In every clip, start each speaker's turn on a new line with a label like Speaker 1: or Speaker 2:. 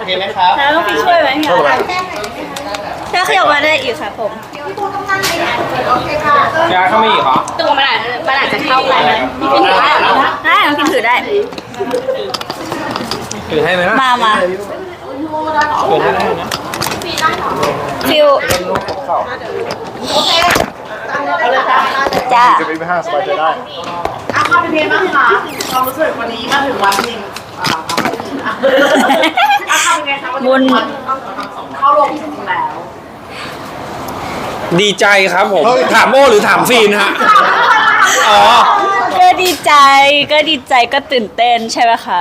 Speaker 1: เคไหมครับ
Speaker 2: แล้วต้องพี่ช่วยไหมคะถ้าขยับมาได้อีกค่ะผม
Speaker 1: ยาเข้าไม่อีกเหรอ
Speaker 2: ตัวมันอาจจะเข้าไปนะพี่ถือได้เหรอได้น้องพิมถือได้
Speaker 1: ถือให้ไหมนะ
Speaker 2: มา
Speaker 1: ถือให้ได้นะ
Speaker 2: ฟิว
Speaker 1: ลูกของเข่า
Speaker 2: จ้า
Speaker 3: จะไปห้างสบายใจได้
Speaker 4: เข้าไปเพลงบ้างคะความรู้สึกวันนี้มาถึงวันจริงเข้าเป็นไงคะวันนี้เข้าลงถึงแล้ว
Speaker 1: ดีใจครับผมถามโม่หรือถามฟีนฮะอ๋อ
Speaker 2: ก็ดีใจก็ตื่นเต้นใช่ไหมคะ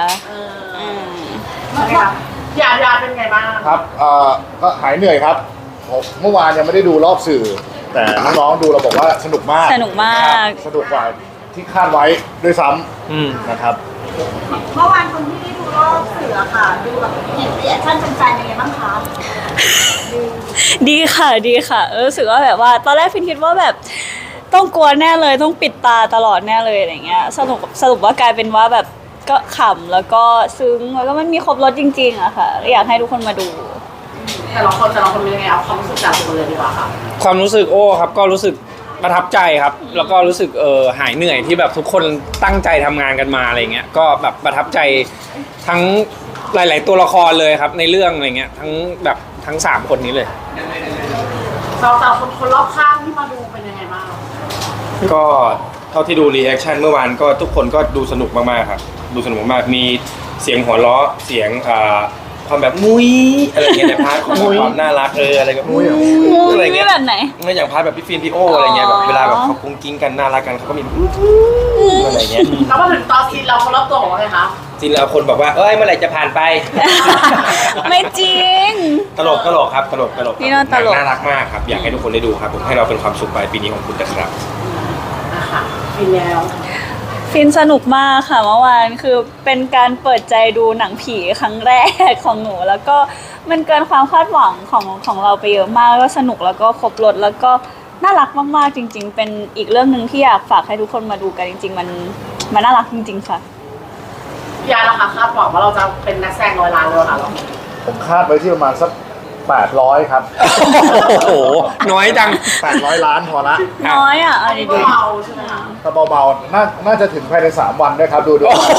Speaker 4: ยาเป็นไงบ้าง
Speaker 3: ครับก็หายเหนื่อยครับผมเมื่อวานยังไม่ได้ดูรอบสื่อ แต่น้องๆดูเราบอกว่าสนุกมาก
Speaker 2: สนุกมาก
Speaker 3: สนุกกว่าที่คาดไว้ด้วยซ้ำนะครับ
Speaker 4: เมื่อวานคนที่ได้ดูรอบเสือค่ะดูแบบเห็นรีแอคชั่นแฟนๆยังไงบ้างคะ
Speaker 2: ดีค่ะรู้สึกว่าแบบว่าตอนแรกฟินคิดว่าแบบต้องกลัวแน่เลยต้องปิดตาตลอดแน่เลยอะไรเงี้ยสรุปว่ากลายเป็นว่าแบบก็ขำแล้วก็ซึ้งแล้วก็มันมีครบรสจริงๆอะค่ะอยากให้ทุกคนมาดู
Speaker 4: แต่ละคนเป็นยังไงเอาความรู้สึกจากตัวเลยดีกว่าค่ะ
Speaker 1: ความรู้สึกโอ้ครับก็รู้สึกประทับใจครับ แล้วก็รู้สึกหายเหนื่อยที่แบบทุกคนตั้งใจทำงานกันมาอะไรเงี้ยก็แบบประทับใจทั้งหลาย ๆ ตัวละครเลยครับในเรื่องอะไรเงี้ยทั้ง3คนนี้เลย
Speaker 4: สาวคนรอบข้างที่มาดูเป็นยังไงบ้าง
Speaker 5: ก็เท่าที่ดูรีแอคชั่นเมื่อวานก็ทุกคนก็ดูสนุกมากๆครับดูสนุกมากๆมีเสียงหัวเราะเสียงความแบบมุ้ยอะไรเงี้ยในพาร์ทของความน่ารักอะไรแบบมุ้ยอะไรเงี้ย
Speaker 2: แบบไหน
Speaker 5: ไม่อย่างพาร์ทแบบพี่ฟินพี่โออะไรเงี้ยแบบเวลาแบบเขากุ้งกิ้งกันน่ารักกันเขาก็มีอะไรเงี้ย
Speaker 4: แล้วมาถึงตอนซีนเราคนรอบตัวบอกว่าไงคะ
Speaker 5: จริงแล้วคนบอกว่าเอ้ยเมื่อไหร่จะผ่านไป
Speaker 2: ไม่จริง
Speaker 5: ตลกครับตลก
Speaker 2: พี่โน่ตลก
Speaker 5: น่ารักมากครับอยากให้ทุกคนได้ดูครับผมให้เราเป็นความสุขปลายปีนี้ของคุณนะครับ
Speaker 4: นะคะฟินแล้ว
Speaker 2: ฟินสนุกมากค่ะเมื่อวานคือเป็นการเปิดใจดูหนังผีครั้งแรกของหนู แล้วก็มันเกินความคาดหวังของเราไปเยอะมากก็สนุกแล้วก็ครบรสแล้วก็น่ารักมากๆจริง ๆ เป็นอีกเรื่องหนึ่งที่อยากฝากให้ทุกคนมาดูกันจริง ๆ มันน่ารักจริง ๆ ค่ะ
Speaker 4: ยาละค่ะคาดหวังว่าเราจะเป็นนักแสดงร้อยล้านเลยค่ะเรา
Speaker 3: ผมคาดไว้ที่ประมาณสัก800ครับ
Speaker 1: โอ้โหน้อยจัง
Speaker 3: 800 ล้านพอละ
Speaker 2: น้อยอ่ะเอาดี
Speaker 4: เบาใช่ไหมคะ
Speaker 3: ถ้าเบาๆน่าจะถึงภายใน3 วันด้วยครับดู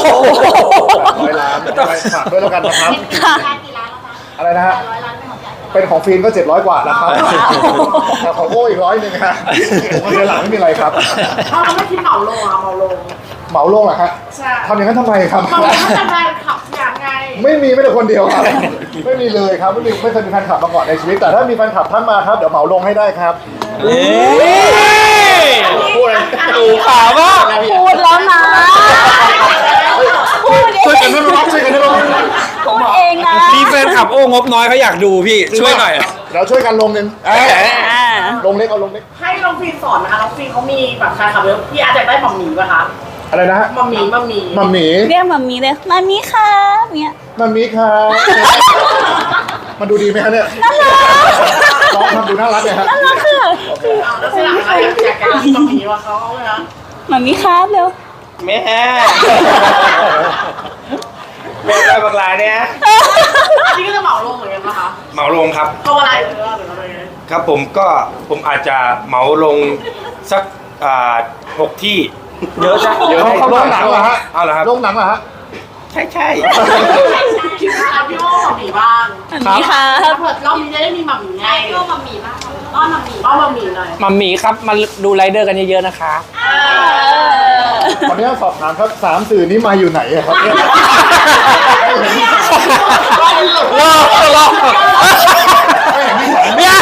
Speaker 3: 800 ล้านฝากด้วยแล้วกันนะครับ อะไรนะฮะเป็นของฟิล์มก็700 กว่าแล้วครับแต่ของโอ้อีก100 นึงฮะผมเดือนหลังไม่มีอะไรครับ
Speaker 4: ถ้าเราไม่คิดเหมาลงอะเหมาลง
Speaker 3: เหมาลงเหรอฮะ
Speaker 4: ใช่
Speaker 3: ทำอย่างนั้นทำไมครับ
Speaker 4: เหมาลงก็จะได้ขับอย่างไง
Speaker 3: ไม่มีไม่แต่คนเดียวครับ ไม่มีเลยครับไม่เคยมีแฟนคลับมาก่อนในชีวิต แต่ถ้ามีแฟนคลับท่านมาครับเดี๋ยวเหมาลงให้ได้ครับ พูดอะไร
Speaker 1: ดูข่าวว่า
Speaker 2: ๆพูดแล้วนะพูดเอ
Speaker 3: ช่วยกัน
Speaker 2: ง
Speaker 3: นะน้องช่วยกันนะน้อง
Speaker 2: พูดเองนะ
Speaker 1: มีแฟนคลับโอ้งบน้อยเขาอยากดูพี่ช่วยหน่อย
Speaker 3: เดี๋ยวช่วยกันลงหนึ่ง
Speaker 2: อ่า
Speaker 3: ลงเล็กเอาลงเล็ก
Speaker 4: ให้น้องฟินสอนนะคะน้องฟินเขามีแบบใครขับเยอะพี่อาจจะได้หม่อมหมีป่ะคะ
Speaker 3: อะไรนะฮะ
Speaker 4: หม่อมหมี
Speaker 3: มัมหมี
Speaker 2: เรียกมามีเลยมามีครับเนี้ย
Speaker 3: มัมหมีครับมันดูดีไหมฮะเนี่ยน้องทำดูน่ารักเลยฮะ
Speaker 2: น่ารักค่ะ
Speaker 4: แล้วเสร็จแล้วอยากจะกินหม่อมหมีว่าเขาเลยนะ
Speaker 2: มามีครับเร็ว
Speaker 5: แม่แม่ได้บักลายเนี่ย
Speaker 4: อันนี้ก็จะเหมาลงเหมือนกันนะคะ
Speaker 5: เหมาลงครับ
Speaker 4: เพราะอะไรหรืออะไร
Speaker 5: ครับผมอาจจะเหมาลงสัก6 ที่เยอะจ้ะเยอะ
Speaker 3: เขาลงหนังเหรอฮะ
Speaker 5: เอาเหรอครับ
Speaker 3: ลงหนังเหรอฮะ
Speaker 5: ใช่
Speaker 4: คิดว่าเอาพี่โอ้หม่อมหมีบ้าง
Speaker 2: มามีครั
Speaker 4: ถ้า
Speaker 2: บ
Speaker 4: เผื่อรอบนี้จะได้มีหม่อมหมีไงพี่โอ้หม่อมหมีบ้างอ้อนหม่อมหมีอ้อนหม่อมหมีหน่อย
Speaker 1: มัมมี่ครับมาดูไรเดอร์กันเยอะๆนะคะ
Speaker 3: ตอนนี้สอบถามครับ3 สื่อนี้มาอยู่ไหนอะครับเนี่ย
Speaker 1: รอเนี่ย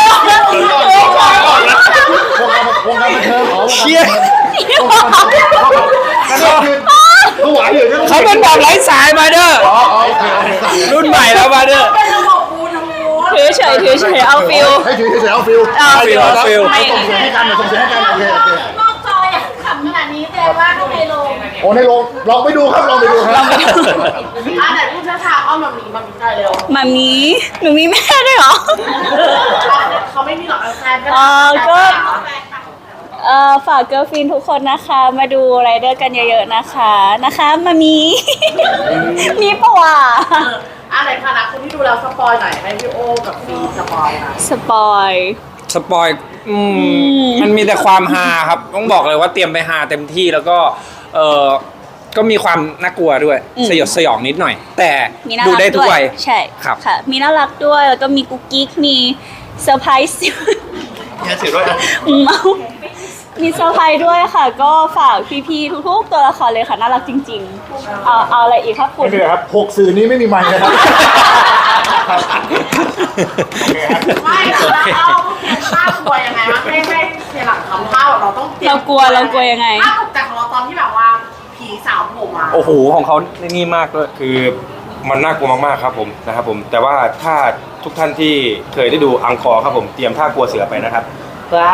Speaker 3: วงการบันเทิงอ๋อ
Speaker 1: เชี่ย
Speaker 3: วงการบันเทิงคือไหวอยู่เนี่ย
Speaker 1: เขาเป็นแบบไร้สายมาเด้อ
Speaker 3: อ๋อโอเค
Speaker 1: รุ่นใหม่แล้วมาเด้อ
Speaker 4: เป็นระบบปูทูธ
Speaker 2: ถือเฉยเอาฟิล
Speaker 3: ให้ถือเฉยๆเอาฟิล
Speaker 2: เอาฟิล
Speaker 1: เอาฟิล
Speaker 3: ส่งเสียงให้กันส่งเสียงให้กันโอเค
Speaker 4: นอกจออยากขำขนาดนี้แปลว่าข้างในโรง
Speaker 3: โอ้ในโรงลองไปดูครับลองไปดูครับ
Speaker 4: ไหนพูดช้าๆอ้อนหม่อมหมีหม่อมหมีได้เร็ว
Speaker 2: มามีหนูมีแม่ด้วยเหรอ
Speaker 4: เขาไม่มีหรอกแฟนก็
Speaker 2: อ๋อก็ ฝากเกิร์ลฟินทุกคนนะคะ มาดูไรเดอร์กันเยอะๆนะคะมามี มีปะวะ
Speaker 4: อะไรคะนะคนที่ดูแล้วสปอยหน่อยให้พี่โอกับฟีสปอยหน่อย
Speaker 2: สปอย
Speaker 1: สปอยมันมีแต่ความฮาครับ ต้องบอกเลยว่าเตรียมไปฮาเต็มที่แล้วก็ก็มีความน่ากลัวด้วย สยดสยองนิดหน่อย แต่
Speaker 2: มีน่า
Speaker 1: ดู
Speaker 2: รัก
Speaker 1: ได้ทุก
Speaker 2: ด้วย
Speaker 1: วัย
Speaker 2: ใช่
Speaker 1: ครับ
Speaker 2: ค่ะ มีน่ารักด้วยแล้วก็มีกุ๊กกิ๊กมีเซอร์ไพรส์
Speaker 5: แค่สื่อด้วยนะ
Speaker 2: มีเซอร์ไพรส์ด้วยค่ะ ก็ฝากพี่ๆทุกๆตัวละครเลยค่ะ น่ารักจริงๆ เอาอะไรอีกครับคุ
Speaker 3: ไม่
Speaker 2: ณ
Speaker 3: เป็นไรครับ6สื่อนี้ไม่มีไมค์นะครับโอเคครับ
Speaker 4: ไม่แล้วเราเตรียมภาพกลัวยังไงวะให้เสียหลังทำภาพเราต้องเตรียม
Speaker 2: เรากลัวยังไง
Speaker 4: ภาพตกใจของเราตอนที่แบบว่าผีสาวโผล่มา
Speaker 1: โอ้โหของเขานี่มากด้วย
Speaker 5: คือมันน่ากลัวมากๆครับผมนะครับผมแต่ว่าถ้าทุกท่านที่เคยได้ดูอังคอร์ครับผมเตรียมท่ากลัวเสือไปนะครับว้า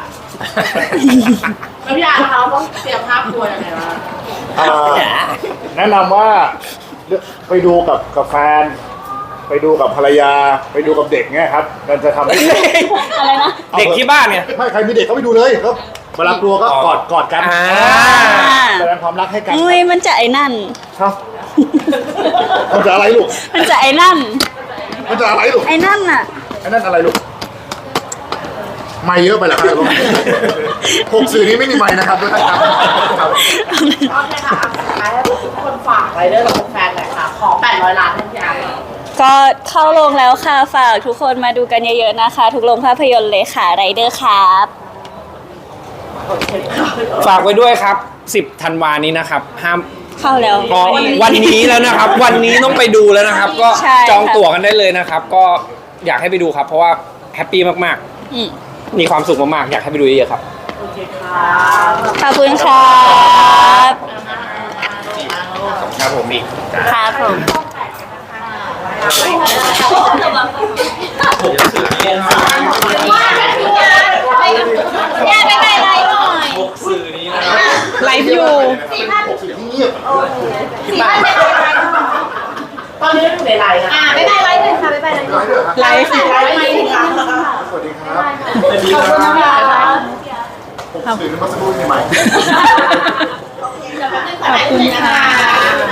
Speaker 4: แล้วพี่อาร์นะคะเราต้องเตรียมภาพกลัวยังไงวะ
Speaker 3: แนะนำว่าไปดูกับแฟน ไปดูกับภรรยา ไปดูกับเด็กเนี่ยครับมันจะทำให้
Speaker 2: อะไรนะ
Speaker 1: เด็กที่บ้านเนี่ย
Speaker 3: ไม่ใครมีเด็กก็ไปดูเลยก็เวลากลัวก็กอดกัน
Speaker 1: อ่า
Speaker 3: แสดงความรักให้กัน
Speaker 2: อุ้ยมันจะไอ้นั่น
Speaker 3: ครับมันจะอะไรลูก
Speaker 2: มันจะไอ้นั่น
Speaker 3: มันจะอะไรลูก
Speaker 2: ไอ้นั่นน่ะ
Speaker 3: ไอ้นั่นอะไรลูกไม่เยอะไปแล้วครับ6สื่อนี้ไม่มีไมค์นะครับทุกท่านครับ
Speaker 4: โอเคค่ะสุดท้ายให้ทุกคนฝากไรเดอร์กับแฟนหน่อยค่ะ ขอ800 ล้านให้พี่อาร์
Speaker 2: ก็เข้าโรงแล้วค่ะ ฝากทุกคนมาดูกันเยอะๆนะคะ ทุกโรงภาพยนตร์เลยค่ะไรเดอร์ครับ
Speaker 1: ฝากไว้ด้วยครับ 10 ธันวานี้นะครับ ห้าม
Speaker 2: เข้าแล้ว
Speaker 1: ก็วันนี้แล้วนะครับ วันนี้ต้องไปดูแล้วนะครับ ก็
Speaker 2: ใช่
Speaker 1: จองตั๋วกันได้เลยนะครับ ก็อยากให้ไปดูครับ เพราะว่าแฮปปี้มาก
Speaker 2: อืม
Speaker 1: ๆ มีความสุขมากๆ อยากให้ไปดูเยอะๆครับ
Speaker 4: โอเคค่ะ
Speaker 2: ขอบคุณครับ
Speaker 5: ครับผมอีก
Speaker 2: ครับผม ย่าไปไปไลฟ์หน่อย ไลฟ์อยู่
Speaker 3: 6สื่อที่เงียบ
Speaker 4: ตอนนี้อยู่ในไลน์นะ
Speaker 2: ไปไปไลฟ์เลยค่ะไปไปไลฟ์
Speaker 3: ไลฟ์ด้วยเหรอ
Speaker 2: ไลฟ์
Speaker 4: ไลฟ์ไม่ถึงค่ะ
Speaker 3: สวัสดีครับ
Speaker 2: ขอบคุณนะคะ
Speaker 3: 6สื่อนี้มาสักครู่มีไมค์
Speaker 2: ขอบคุณค่ะ